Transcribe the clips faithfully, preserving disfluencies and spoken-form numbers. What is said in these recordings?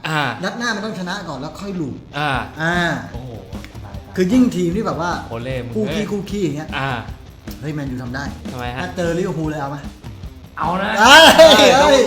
อ่านัดหน้ามันต้องชนะก่อนแล้วค่อยลูบอ่าอ่าโอ้โหคือยิ่งทีมที่แบบว่าโอเล่มึงคู่เอ้ขี้ยคู่ขี้อย่างเงี้ยอ่าเฮ้ยแมนยูทำได้ทำไมฮะถ้าเจอลิเวอร์พูลเลยเอาไหมเอานะเอ้ยเอ้ย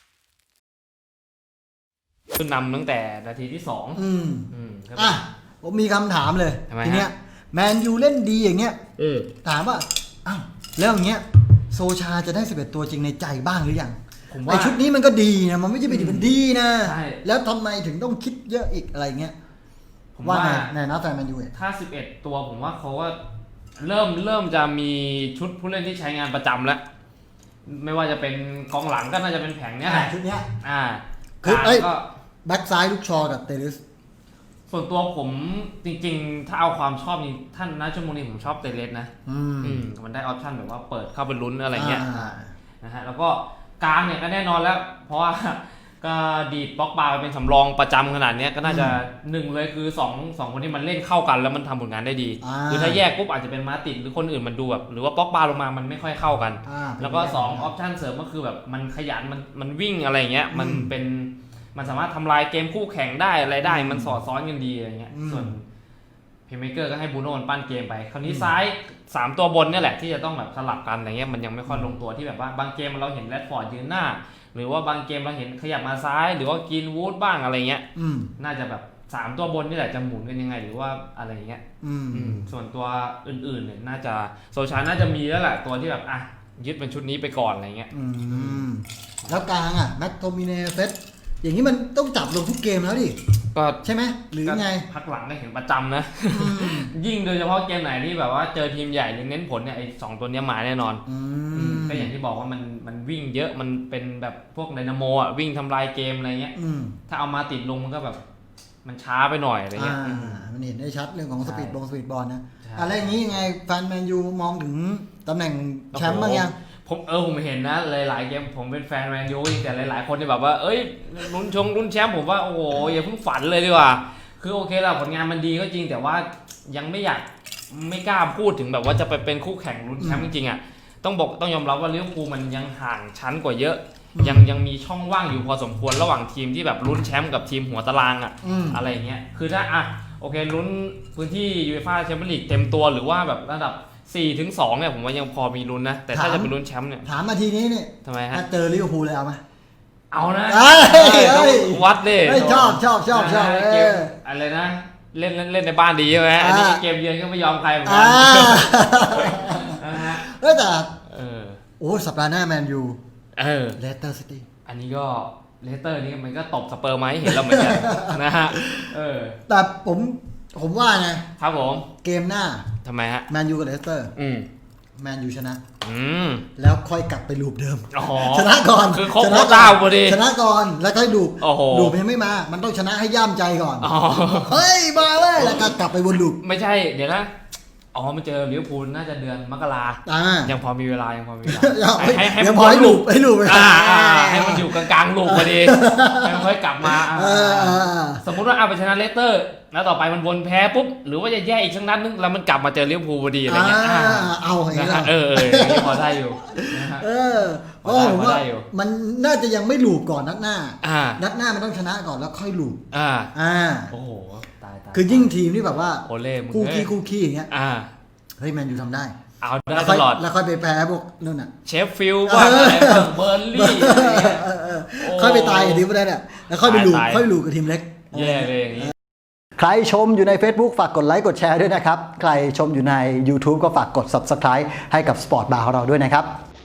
ขึ้นนำตั้งแต่นาทีที่สองอืมอืมครับอ่ะผมมีคำถามเลยทำไมฮะทีเนี้ยแมนยูเล่นดีอย่างเงี้ยเออถามว่าอ้าวแล้วอย่างเงี้ยโซชาจะได้สิบเอ็ดตัวจริงในใจบ้างหรือยังผมว่าไอชุดนี้มันก็ดีนะมันไม่ใช่ไปดีมันดีนะใช่แล้วทำไมถึงต้องคิดเยอะอีกอะไรเงี้ยผมว่าว่าไงในนัดแฟนแมนยูเนี่ยถ้าสิบเอ็ดตัวผมว่าเขาว่าเริ่มเริ่มจะมีชุดผู้เล่นที่ใช้งานประจำแล้ว ไม่ว่าจะเป็นกองหลังก็น่าจะเป็นแผงเนี้ยแหละชุดเนี้ยอ่าคือเอ้ยก็แบ็กซ้ายลูกชอกับเตลิสส่วนตัวผมจริงๆ ถ้าเอาความชอบนี่ท่านนะชั่วโมงนี้ผมชอบเตเลสนะอืมอืมมันได้ออปชั่นแบบว่าเปิดเข้าไปลุ้นอะไรเงี้ยอ่านะฮะแล้วก็กลางเนี่ยก็แน่นอนแล้ว เพราะว่า ก็ดีดบล็อกบาร์ไปเป็นสำรองประจำขนาดนี้ก็น่าจะหนึ่งเลยคือสองสองคนที่มันเล่นเข้ากันแล้วมันทำผลงานได้ดีอ่าคือถ้าแยกปุ๊บอาจจะเป็นมาติดหรือคนอื่นมันดูแบบหรือว่าบล็อกบาร์ลงมามันไม่ค่อยเข้ากันอ่าแล้วก็สองออปชั่นเสริมก็คือแบบมันขยันมันมันวิ่งอะไรเงี้ยมันเป็นมันสามารถทำลายเกมคู่แข่งได้อะไรได้มันสอดซ้อนกันดีอะไรเงี้ยส่วนเพย์เมเกอร์ก็ให้บูโน่ปั้นเกมไปคราวนี้ซ้ายสามตัวบนเนี่ยแหละที่จะต้องแบบสลับกันอะไรเงี้ยมันยังไม่ค่อยลงตัวที่แบบว่าบางเกมเราเห็นแรดฟอร์ดยืนหน้าหรือว่าบางเกมเราเห็นขยับมาซ้ายหรือว่ากินวูดบ้างอะไรเงี้ยอืมน่าจะแบบสามตัวบนนี่แหละจะหมุนกันยังไงหรือว่าอะไรเงี้ยอืมอืมส่วนตัวอื่นๆเนี่ยน่าจะโซชาน่าจะมีแล้วแหละตัวที่แบบอ่ะยึดเป็นชุดนี้ไปก่อนอะไรเงี้ยอืมแล้วกลางอ่ะแมตโทมิเนเซตอย่างนี้มันต้องจับลงทุกเกมแล้วดิก็ใช่ไหมหรือไงพักหลังได้เห็นประจำนะ ยิ่งโดยเฉพาะเกมไหนที่แบบว่าเจอทีมใหญ่หรือเน้นผลเนี่ยไอ้สองตัวเนี้ยมาแน่นอนอืมก็อย่างที่บอกว่ามันมันวิ่งเยอะมันเป็นแบบพวกไดนาโมอ่ะวิ่งทำลายเกมอะไรเงี้ยอืมถ้าเอามาติดลงมันก็แบบมันช้าไปหน่อยอะไรเงี้ยอ่ามันเห็นได้ชัดเรื่องของสปีดบอลสปีดบอลนะใช่อะไรอย่างนี้ยังไงแฟนแมนยูมองถึงตำแหน่งแชมป์บ้างยังผมเออผมเห็นนะหลายๆเกมผมเป็นแฟนแมนยูแต่หลายๆคนที่แบบว่าเอ้ยลุ้นชงลุ้นแชมป์ผมว่าโอ้โหอย่าเพิ่งฝันเลยดีกว่าคือโอเคแล้วผลงานมันดีก็จริงแต่ว่ายังไม่อยากไม่กล้าพูดถึงแบบว่าจะไปเป็นคู่แข่งลุ้นแชมป์จริงๆอ่ะต้องบอกต้องยอมรับว่าลิเวอร์พูลมันยังห่างชั้นกว่าเยอะยังยังมีช่องว่างอยู่พอสมควรระหว่างทีมที่แบบลุ้นแชมป์กับทีมหัวตารางอ่ะอืมอะไรอย่างเงี้ยคือถ้าอ่ะโอเคลุ้นพื้นที่ยูเอฟ่าแชมเปี้ยนลีกเต็มตัวหรือว่าแบบระดับสี่ถึงสองเนี่ยผมว่ายังพอมีลุ้นนะแต่ถ้าจะเป็นลุ้นแชมป์เนี่ยถามมาทีนี้เนี่ยทำไมฮะถ้าเจอลิเวอร์พูลเลยเอาไหมเอานะเอ้ยต้องเอ้ยวัดดิเฮ้ยชอบชอบชอบชอบนะเอเกมออะไรนะเล่นเล่นเล่นในบ้านดีใช่ไหมอันนี้อ่าเกมเยือนก็ไม่ยอมใครเหมือนกัอ่านนะฮะเอ้ยแต่เออโอ้สัปดาห์หน้าแมนยูเออเลสเตอร์ซิตี้อันนี้ก็เลสเตอร์นี่มันก็ตบสเปอร์มาให้เห็นแล้วเหมือนกัน นะฮะเออแต่ผมผมว่าไงครับผมเกมหน้าทำไมฮะแมนยูกับเลสเตอร์อืมแมนยูชนะอืมแล้วค่อยกลับไปลูปเดิมอ๋อชนะก่อนคือครบชโคนะต้าพอดีชนะก่อนแล้วค่อยลูปโอ้โหลูปยังไม่มา มันต้องชนะให้ย่ามใจก่อนอ๋อเฮ้ยมาเลยแล้วก็กลับไปวนลูปไม่ใช่เดี๋ยวนะอ๋อมันเจอลิเวอร์พูลน่าจะเดือนมกราอ่ายังพอมีเวลายังพอมีเวลาให้ให้ให้ยัมันงพอให้ลูลูกปให้ลูปไปอ่าอ่าให้มันอยู่กลางๆลูกพอดีให้มันค่อยกลับมาอ่าเออเออเออสมมุติว่าเอาไปชนะเลสเตอร์แล้วต่อไปมันวนแพ้ปุ๊บหรือว่าจะแย่อีกสักนัดนึงแล้วมันกลับมาเจอลิเวอร์พูลพอดีอะไรเงี้ยอ่าอ่าเอาอย่างนะนี้ฮะละเออเอออย่างนี้พอได้อยู่นะฮะเออเพราะผมว่าพอได้อยู่มันน่าจะยังไม่ลูปก่อนนัดหน้าอ่านัดหน้ามันต้องชนะก่อนแล้วค่อยลูปอ่าอ่าโอ้โหตายตายคือยิ่งทีมที่แบบว่าโอเล่มึงคู่เอ้ขี้ยคู่ขี้อย่างเงี้ยอ่าเฮ้ยแมนยูทำได้เอาได้แล้วตค่อยลอดแล้วค่อยไปแพ้พวกนู่นน่ะเชฟฟิลด์บ้างอะไรบ้างเบอร์ลี่อะไรเงี้ยเออเออโอ้ค่อยไปตายกับทีมพวกนั้นน่ะแล้วค่อยไปลูปตายค่อยลูปกับทีมเล็กแย่เลยอย่างนี้ใครชมอยู่ใน Facebook ฝากกดไลค์กดแชร์ด้วยนะครับ ใครชมอยู่ใน YouTube ก็ฝากกด Subscribe ให้กับ Sport Bar ของเราด้วยนะครับ